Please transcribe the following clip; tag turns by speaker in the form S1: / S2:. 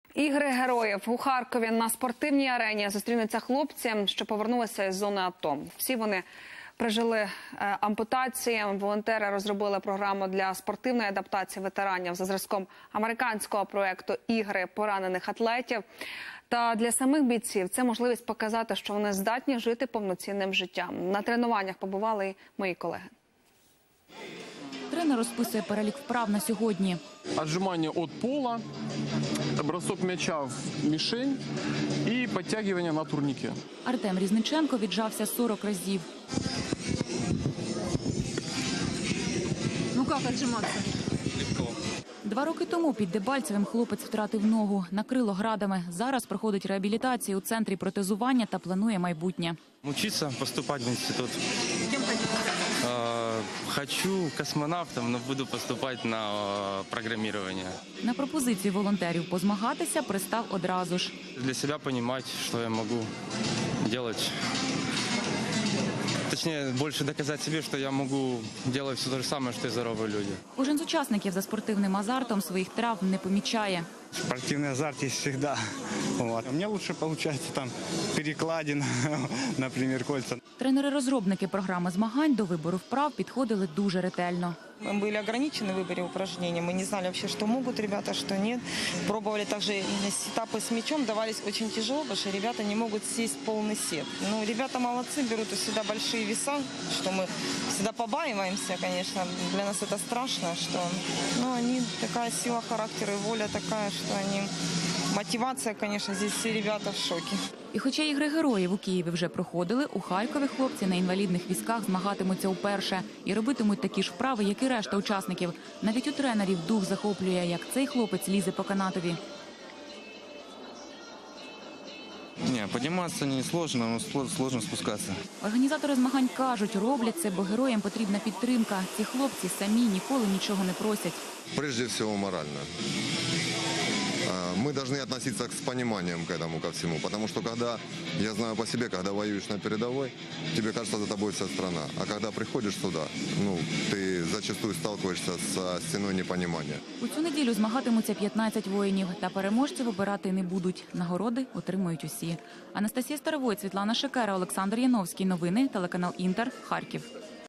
S1: Ігри героїв у Харкові на спортивній арені зустрінуться хлопці, що повернулися із зони АТО. Всі вони пережили ампутації. Волонтери розробили програму для спортивної адаптації ветеранів за зразком американського проєкту «Ігри поранених атлетів». Та для самих бійців це можливість показати, що вони здатні жити повноцінним життям. На тренуваннях побували і мої колеги.
S2: Тренер розписує перелік вправ на сьогодні.
S3: Отжимання від пола, бросок м'яча в мішень і підтягування на турніки.
S2: Артем Різниченко віджався 40 разів.
S4: Ну як віджиматися?
S2: 2 роки тому під Дебальцевим хлопець втратив ногу, накрило градами. Зараз проходить реабілітацію у центрі протезування та планує майбутнє.
S5: Учиться, поступать в институт.
S4: Кем хотите?
S5: Хочу космонавтом, но буду поступать на программирование.
S2: На пропозицію волонтерів позмагатися пристав одразу ж.
S5: Для себя понимать, что я могу делать. Точнее, больше доказать себе, что я могу делать все то же самое, что и здоровые люди.
S2: Кожен з учасників за спортивним азартом своїх травм не помічає.
S6: Спортивный азарт есть всегда. Вот. У меня лучше получается там перекладин, например, кольца.
S2: Тренери-розробники програми змагань до вибору вправ підходили дуже ретельно.
S7: Мы были ограничены в выборе упражнений, мы не знали вообще, что могут ребята, что нет. Пробовали также сетапы с мячом, давались очень тяжело, потому что ребята не могут сесть полный сет. Но ребята молодцы, берут всегда большие веса, что мы всегда побаиваемся, конечно. Для нас это страшно, что они такая сила характера и воля такая, что они... Мотивація, звісно, здесь всі ребята в шокі.
S2: І хоча ігри героїв у Києві вже проходили, у Харкові хлопці на інвалідних візках змагатимуться вперше. І робитимуть такі ж вправи, як і решта учасників. Навіть у тренерів дух захоплює, як цей хлопець лізе по канатові.
S8: Не, подниматься не сложно, но сложно спускаться.
S2: Організатори змагань кажуть, роблять це, бо героям потрібна підтримка. Ці хлопці самі ніколи нічого не просять.
S9: Прежде всего морально. Мы должны относиться с пониманием к этому, ко всему. Потому что когда, я знаю по себе, когда воюешь на передовой, тебе кажется, за тобой вся страна. А когда приходишь сюда, ты зачастую сталкиваешься со стеной непонимания.
S2: У цю неділю змагатимуться 15 воїнів. Та переможців обирати не будуть. Нагороди отримують усі. Анастасія Старовой, Світлана Шикера, Олександр Яновський. Новини, телеканал Інтер, Харків.